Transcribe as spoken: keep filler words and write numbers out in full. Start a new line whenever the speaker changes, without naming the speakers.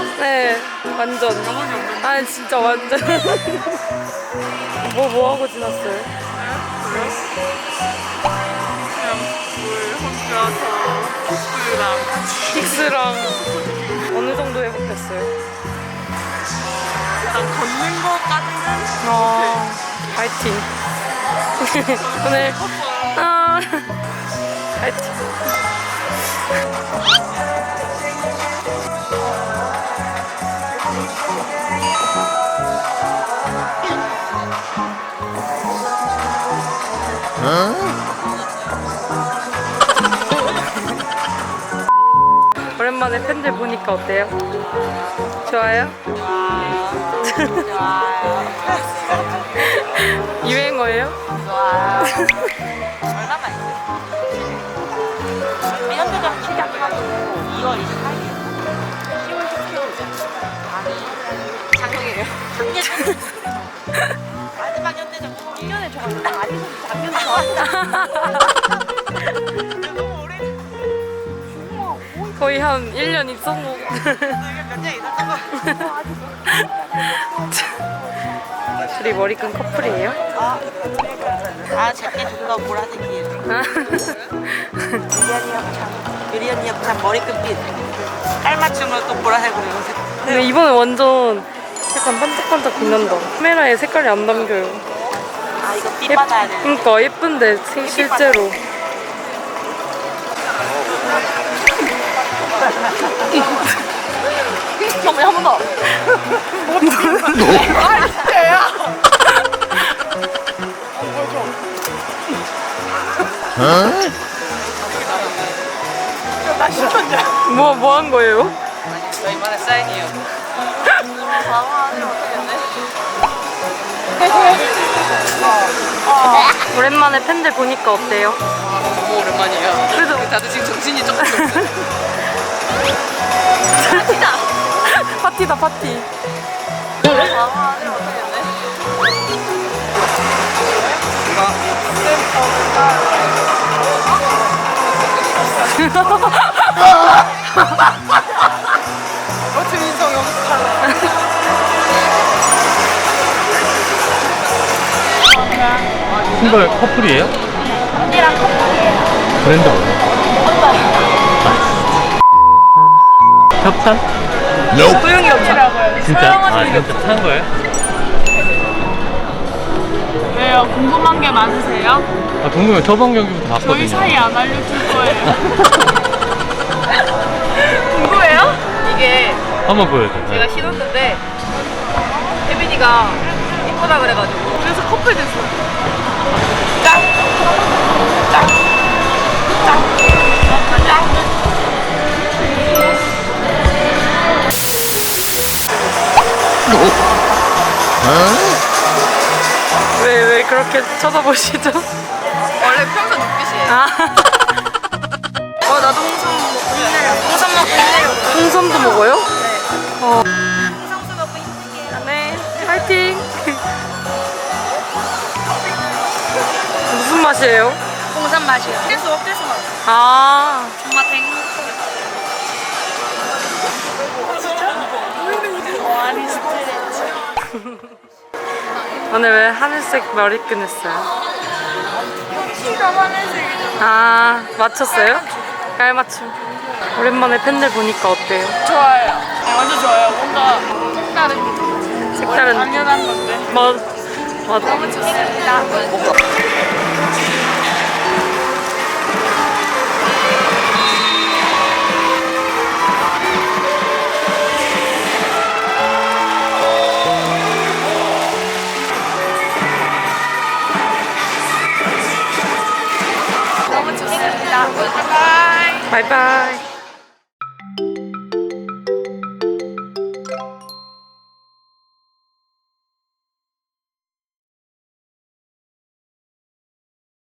네, 완전. 아, 진짜 완전. 뭐, 뭐 하고 지났어요?
그냥 물 혼자서 픽스랑
픽스랑 어느 정도 회복됐어요?
일단 걷는 거까지는
아, 파이팅. 오늘, 아, 파이팅. 오랜만에 팬들 보니까 어때요? 좋아요?
좋아요.
유행어예요?
좋아요. 얼마나 있어요? 연대장 시작하고 이월 이십팔일 시월 십칠일이잖아. 아니 작년이에요. 작년 마지막 연대장 일 년에 좋았는데 아직은 작년에 좋았다. 너무 오래
거의 한 일 년 입성 후.
몇년 있었던 거.
둘이 머리끈 커플이에요?
아, 제게 좀 더 보라색이에요. 유리 언니 협찬. 유리 언니 협찬 머리끝빛. 깔맞춤으로 또 보라색으로 연습.
근데 이번에 완전 약간 반짝반짝 빛난다. 카메라에 색깔이 안 담겨요.
아, 이거 빛 받아야 돼.
그러니까 예쁜데 시- 실제로.
정말 한 번 더. 아, 진짜야? 나 싫던데.
뭐, 뭐 한 거예요?
저희만의 사인이에요. 바로 안에 어떻게
오랜만에 팬들 보니까 어때요?
너무 오랜만이에요.
그래도
다들 지금 정신이 조금 없어요.
파티다, 파티.
바로 안에 어떻게 어떻게 인성 연습할래?
싱글 커플이에요?
언니랑 커플이에요.
브랜드 뭐예요? 협찬?
소영이 없더라고요.
진짜? 아 진짜 산 거예요?
왜요? 궁금한 게 많으세요?
아 궁금해. 저번 경기부터 봤거든요.
저희 사이 안 알려줄 거예요. 궁금해요?
이게
한번 보여줘.
제가 신었는데 혜빈이가 이쁘다 그래가지고
그래서 커플 됐어요.
짱! 짱! 짱! 짱!
왜, 왜 그렇게 쳐다보시죠?
원래 평소 눈빛이에요.
아,
어, 나도 홍삼 먹고 힘내려고. 홍삼 먹고 힘내려고.
홍삼도 먹어요?
네.
어,
홍삼수 먹고 힘낼게요.
네, 파이팅! 무슨 맛이에요?
홍삼 맛이요. 뗄수 없대서 맛.
아,
정말 땡. 와리 스트레치.
오늘 왜 하늘색 머리끈 했어요?
키가 하늘색이잖아.
아, 맞췄어요? 깔맞춤. 오랜만에 팬들 보니까 어때요?
좋아요. 네, 완전 좋아요. 뭔가 색다른,
색다른.
당연한 건데.
맞, 맞아.
너무 좋습니다.
너무 좋습니다. 바이바이.
바이바이.